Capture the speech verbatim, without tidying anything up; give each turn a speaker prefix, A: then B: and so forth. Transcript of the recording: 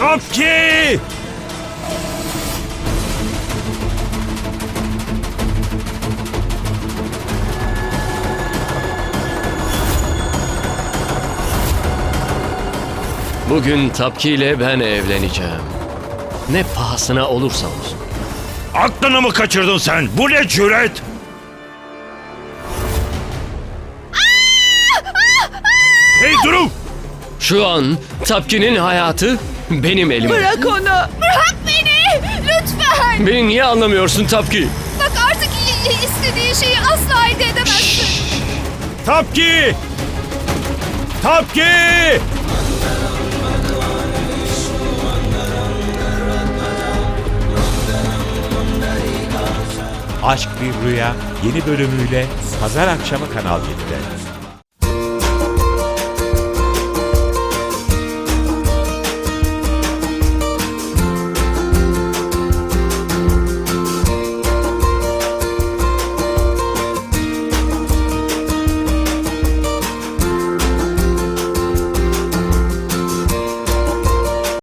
A: Tapki!
B: Bugün Tapki ile ben evleneceğim. Ne pahasına olursa olsun.
A: Aklını mı kaçırdın sen? Bu ne cüret? Hey Duru!
B: Şu an Tapki'nin hayatı benim elimde.
C: Bırak onu. Bırak beni. Lütfen.
B: Beni niye anlamıyorsun Tapki?
C: Bak artık i- i- istediğin şeyi asla elde edemezsin.
A: Tapki! Tapki!
D: Aşk Bir Rüya yeni bölümüyle pazar akşamı Kanal yedide.